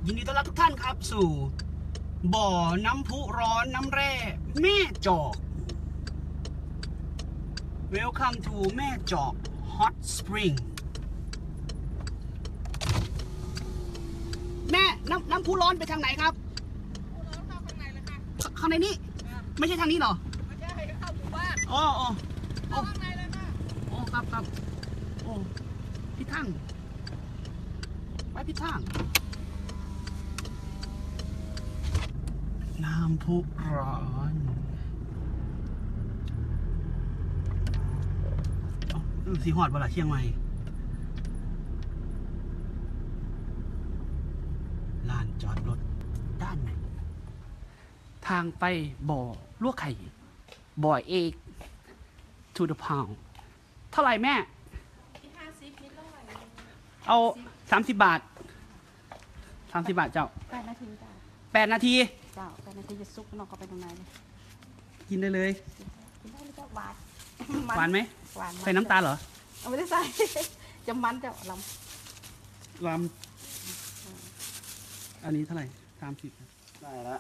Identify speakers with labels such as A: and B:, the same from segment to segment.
A: ยินดีต้อนรับทุกท่านครับสู่บ่อน้ำพุร้อนน้ำแร่แม่จอก Welcome to แม่จอก Hot Spring แม่น้ำพุร้อนไปทางไหนครับข้างในนี้ไม่ใช่ทางนี้เหรอไม่ใช่เข้าหมู่บ้านอ๋อเข้าข้างในเลยค่ะอ๋อครับโอ้พี่ทั้งไปพี่ทั้งน้ำพุร้อนสีหอดเวลาเชียงใหม่ลานจอดรถด้านไหนทางไปบ่อลวกไข่บ่อเอก to the pound เท่าไหร่แม่เอา30 บาท30 บาทเจ้า
B: 8 นาทีจ้า
A: 8 นาที
B: เจ้า8 นาทีจะซุกนอกก็ไปตรงไหนเลย
A: กินได้เลย
B: กินได้เลยเจ้าหวาน
A: หวานไหม
B: หวาน
A: ใส่น้ำตาลเหรอ
B: เอาไม่ได้ใส่จะมันเจ้าล
A: ำอันนี้เท่าไหร่30ได้แล้ว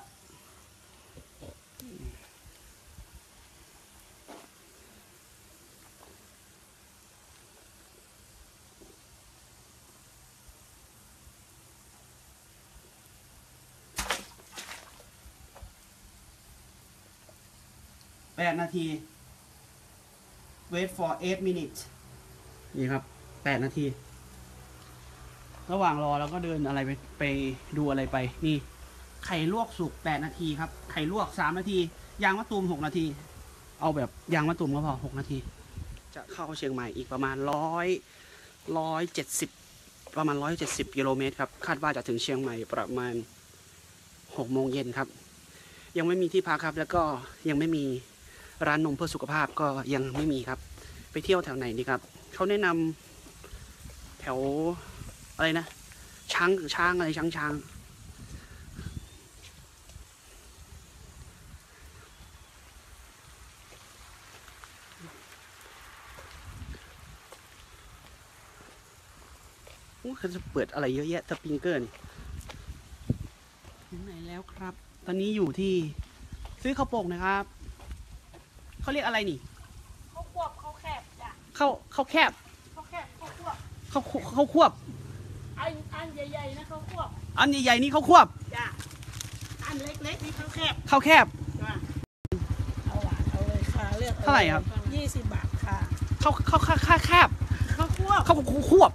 A: 8 นาที wait for 8 minutes นี่ครับ8 นาที ระหว่างรอเราก็เดินอะไรไปดูอะไรไปนี่ไข่ลวกสุก8 นาทีครับไข่ลวก3 นาทียางมะตูม6 นาทีเอาแบบยางมะตูมก็พอ6 นาทีจะเข้าเชียงใหม่อีกประมาณ170ประมาณ170 กิโลเมตรครับคาดว่าจะถึงเชียงใหม่ประมาณ6 โมงเย็นครับยังไม่มีที่พักครับแล้วก็ยังไม่มีร้านนมเพื่อสุขภาพก็ยังไม่มีครับไปเที่ยวแถวไหนดีครับเขาแนะนำแถวอะไรนะช้างอะไรช้างเขาจะเปิดอะไรเยอะแยะสปริงเกอร์นี่ถึงไหนแล้วครับตอนนี้อยู่ที่ซื้อข้าวโป่งนะครับเขาเรียกอะไรนี่
B: ข้าวควบข้าวแคบจ้ะ
A: ข้าวแคบ
B: ข้าวแคบข้าวควบ
A: ข้าวควบ
B: อันใหญ่ๆนะข้าวควบ
A: อันใหญ่ๆนี่ข้าวควบ
B: จ้ะอันเล็กๆนี่ข้าวแคบ
A: จ้ะ
B: เอาหวานเอาเลยค่ะเลือก
A: เท่าไหร่ครับ
B: 20 บาทค่ะ
A: ข้าวแคบ
B: ข้าวควบ
A: ข้าวควบ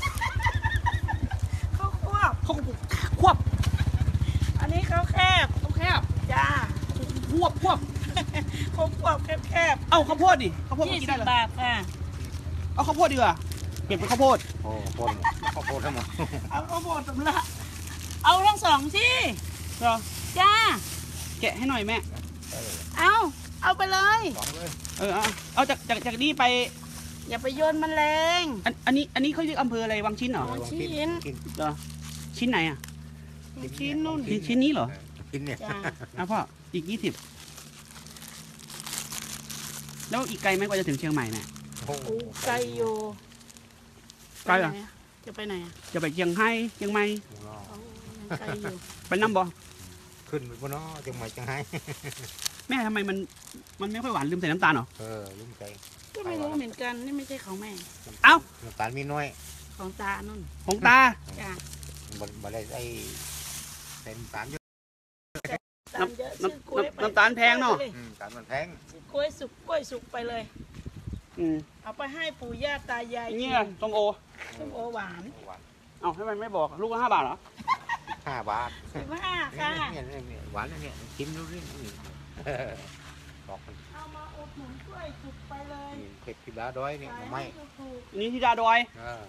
B: อันนี้ข้าวแคบจ้า
A: ควบ
B: ข้าวควบแคบ
A: เอาข้าวโพดดิข้าวโพดกินได้เหรอ
B: 20 บาทค่ะ
A: เอาข้าวโพดดีกว่าเก็บเป็นข้าวโพด
C: ข้าวโพดทั้งหมด
B: เอาข้าวโพดสำลักเอาทั้ง2ที่
A: เหรอ
B: จ้า
A: แกะให้หน่อยแม่
B: เอาไปเลย
A: เอาจากนี่ไป
B: อย่าไปโยนมันแรง
A: อันนี้เขาเรียกอำเภออะไรวังชิ้นเหรอ
B: วังชิ้น
A: เหรอชิ้นไหนอ่ะ
B: ชิ้นนู่น
A: ชิ้นนี้เหรอ
C: ชิ้นเนี่ย
A: พ่ออีก20แล้วอีกไกลไหมกว่าจะถึงเชียงใหม่เนี่ย
B: โอ้ไกลอยู่
A: ไกลเหรอ
B: จะไปไหนอ่ะ
A: จะไปเชียงใหม่
B: ไกลอยู่
A: ไปน้ำบ่
C: ขึ้นไปบนน้อเชียงใหม่เชียงไฮ้
A: แม่ทำไมมันไม่ค่อยหวานลืมใส่น้ำตาลเหรอ
C: ลืมใส่
B: ก็ไม่รู้เหมือนกันนี่ไม่ใช่ของแม่
C: น้ำตาลมีน้อย
B: ของตานุ่น
A: ของตา
B: จ้ะ
C: บ่ได้ใส่น้ำตาลเยอะ
A: น้ำตาลแพงเนาะ
C: น้ำตาลมันแพง
B: กล้วยสุกไปเลยเอาไปให้ปู่ย่าตายาย
A: เนี่ยส้มโอ
B: หวาน
A: เอาให้มันไม่บอกลูกละ5 บาทเหรอ
C: 5 บาท
B: 15ค่ะ
C: หวานเนี่ยชิมดูดิบอกมัน
B: เอามาอุดหนุนกล้วยสุกไปเลย
C: เผ็ดพิดาดอยนี่ไม่
A: นี่ที่ดาดอย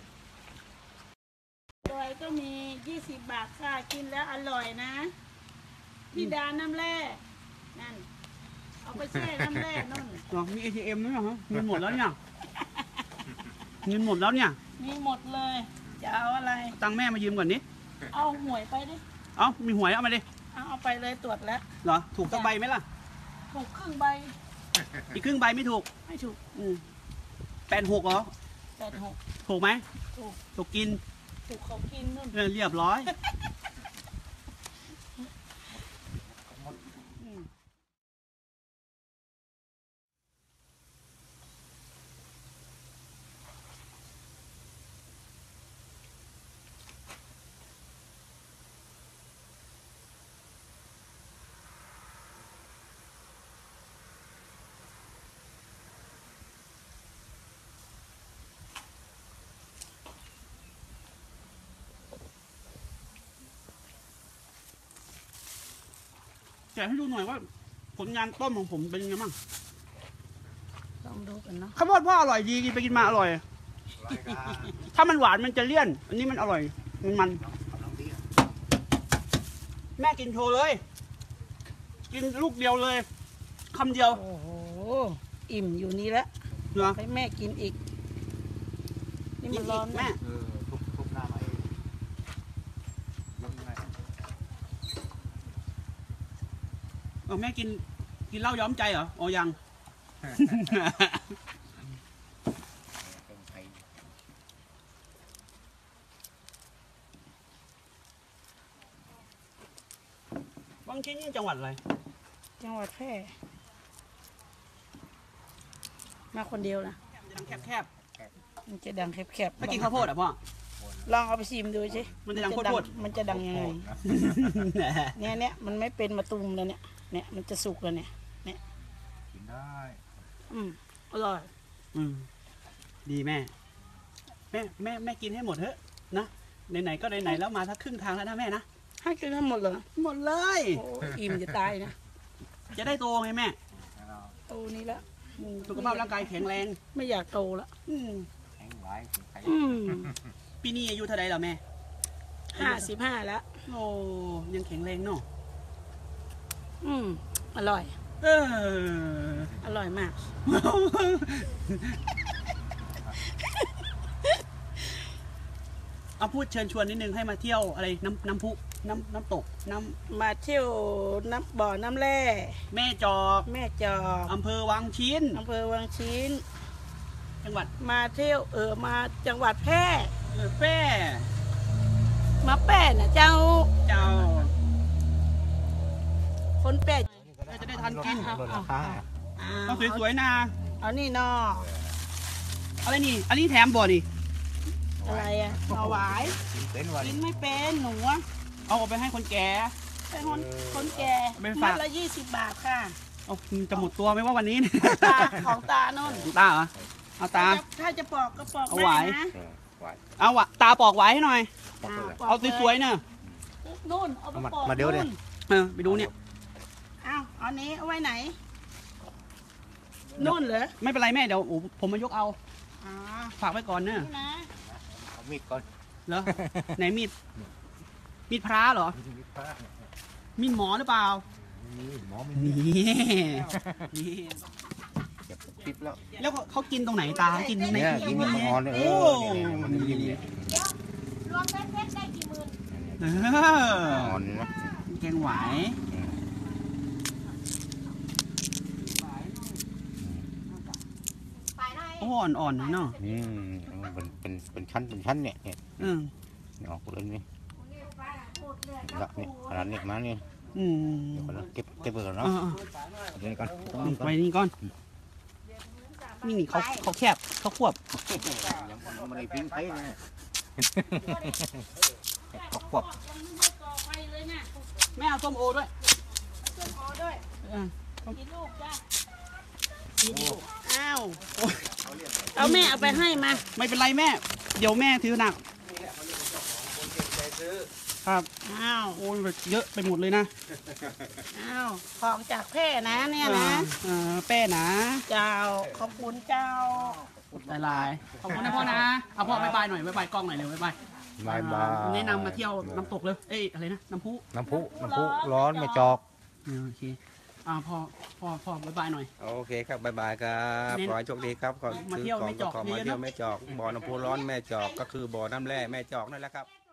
B: ก็มี20 บาทค่ะกินแล้วอร่อยนะพี่ดาน้ำแร่นั่นเอาไปแช่น้ำแร่นั่น
A: มี ATM ด้วยเหรอเงินหมดแล้วเนี่ยมีหมด
B: เลยจะเอาอะไร
A: ตังแม่มายืมก่อนนี้
B: เอาหวยไปดิ
A: มีหวยเอามาดิ
B: เอาไปเลยตรวจแล้ว
A: เหรอถูกสักใบไหมล่ะ
B: ถูกครึ่งใบ
A: อีกครึ่งใบไม่ถูก86เหรอ
B: 86
A: ถูกไหมถูกกิน
B: เขากินนู่น
A: เรียบร้อยแกะให้ดูหน่อยว่า ผลงานต้มของผมเป็นยังไงบ้าง
B: ลองดูกันเนาะ
A: ข้าวโพดพ่ออร่อยดีกินไปกินมาอร่อย ถ้ามันหวานมันจะเลี่ยน อันนี้มันอร่อย มันแม่กินโชว์เลย กินลูกเดียวเลยคำเดียว
B: โอ้โหอิ่มอยู่นี่แล้ว
A: เหรอ
B: ให้แม่กินอีกนี่
A: กิ
B: มัน น
A: อี
B: ร้อก น
A: แม่
C: ทุบหน้ามาเองมันไง
A: แม่กินเหล้าย้อมใจเหรออ๋อยัง
C: เป็นไทย
A: บางชิ้นนี่จังหวัดอะไร
B: จังหวัดแพร่มาคนเดียวนะ
A: มันจะดังแคบ
B: มันจะดังแคบ
A: ๆไม่กินข้าวโพดอ่ะพ่อ
B: ลองเอาไปชิมดูสิ
A: มันจะดังโคตร
B: มันจะดังยังไงเนี่ยมันไม่เป็นมะตูมแล้วเนี่ยมันจะสุกแล้วเนี่ย
C: กินได้
B: อร่อย
A: ดีแม่แม่กินให้หมดเถอะนะไหนๆก็ไหนๆแล้วมาทักครึ่งทางแล้วนะแม่นะ
B: ให้กินทั้งหมดเลย
A: หมดเลย
B: โอ้อิ่มจะตายนะ
A: จะได้โตไงแม่
B: โตนี้แล้ว
A: สุขภาพร่างกายแข็งแรง
B: ไม่อยากโตแล้ว
C: แข็งไว้เป็นไทย
A: ปีนี้อายุเท่าไรแล้วแม่
B: 55แล้ว
A: โอ้ยังแข็งแรงเนาะ
B: อร่อย
A: เออ
B: อร่อยมาก
A: เอาพูดเชิญชวนนิดนึงให้มาเที่ยวอะไรน้ำพุน้ำตกน้ำ
B: มาเที่ยวน้ำบ่อน้ำแร่
A: แม่จอก
B: แม่จอก
A: อำเภอวังชิ้น
B: อำเภอวังชิ้น
A: จังหวัด
B: มาเที่ยวมาจังหวัดแพร่
A: แพร่
B: มาแป้นะเจ้า
A: เจ้า
B: คนแป้
A: จะได้ทันกิน
C: ลดราคา
A: เอาสวยๆนะ
B: เอานี่นอ
A: อะไรนี่ อันนี้แถมบ่อนี่
B: อะไรอ่ะหน่อหวาย
C: กินเป็นวัน
B: กินไม่เป็นหนูอะ
A: เอาออกไปให้คนแก่
B: เป็นคนแก่
A: ไปฝาก
B: มัดละ20 บาทค่ะ
A: เอาจะหมดตัวไหมว่าวันนี้เนี่ย
B: ตาของตาโน่น
A: ตาเหรอเอาตา
B: ถ้าจะปอกก็ปอก
A: เอาหวาย
B: ได้นะ
C: ไว้
A: เอาวะตาปอกไว้ให้หน่อย
B: ป
A: เอา
B: กล
A: สวยๆเนอะ
B: นู่นเอาไปปอก
C: มาเดี๋ยวดิ
A: ไปดูเนี่ย
B: เอานี้เอาไว้ไหนนู่นเหรอ
A: ไม่เป็นไรแม่เดี๋ยวผมมายกเอา
B: อ๋อ
A: ฝากไว้ก่อนเนอะ
B: นี่นะ
C: เอามีดก่อน
A: เหรอ ไหนมีดพระเหรอ
C: มีดพระ
A: มีดหมอหรือเปล่า
C: นี่หมอไม่
A: นี่
C: มี
A: นี่
C: เก็บคลิปแล้ว
A: แล้วเขากินตรงไหนตาเขากินใน
C: เนี่ยกินอ่อนเลย
A: โอ้
C: มันนิ่มๆเนี่ย
B: รวมเพชรได้กี่หมื่น
A: เออ
C: อ่อนนะ
A: แกงหวาย
B: ไปได้
A: โอ้อ่อนๆเนาะ
C: เป็นชั้นเนี่ยเนี่ย
A: อืม
C: ออกเลยนี่ละเนี่ยขนาดนี้มาเนี่ย
A: อืม
C: เดี๋ยวก่อนนะเก็บไปก่อน
A: เอ
C: เนาะ
A: อ
C: เดี๋ยวก่อน
A: ไว้นี่ก่อนนี่เขาแคบเขาควบ
C: ยังไม่ได้ปิ้งไปนะขวบ
A: แม่เอาส้มโอด้วย
B: ส้มโอด้วย
A: เออ
B: กี่ลูกจ้ะอ้าวเอาแม่เอาไปให้มา
A: ไม่เป็นไรแม่ เดี๋ยวแม่ถือหนักครับ
B: อ้าว
A: โอ้ยเยอะไปหมดเลยนะ
B: อ้าวของจากแพร่นะเนี่ยนะ
A: แป้นะ
B: เจ้าขอบคุณเจ้า
A: ลายๆขอบคุณนะพ่อนะเอาพ่อบายบายหน่อยบายบายกล้องหน่อยเร็วบายบาย
C: บายบาย
A: แนะนำมาเที่ยวน้ำตกเลยเอ้ยอะไรนะน้ำพุ
C: น้ำพุร้อนไม่จอก
A: โอเคพ่อบายบายหน่อย
D: โอเคครับบ๊ายบายครับ
A: เน้น
D: ขอให้โชคดีครับขอ
A: มาเที่ยว
D: ซื้อ
A: แม่จอก
D: ขอมา
A: เยอะๆ
D: เที่ยว
A: เนอะ
D: แม่จอกบ่อน้ำพุร้อนแม่จอกก็คือบ่อน้ำแร่แม่จอกนั่นแหละครับ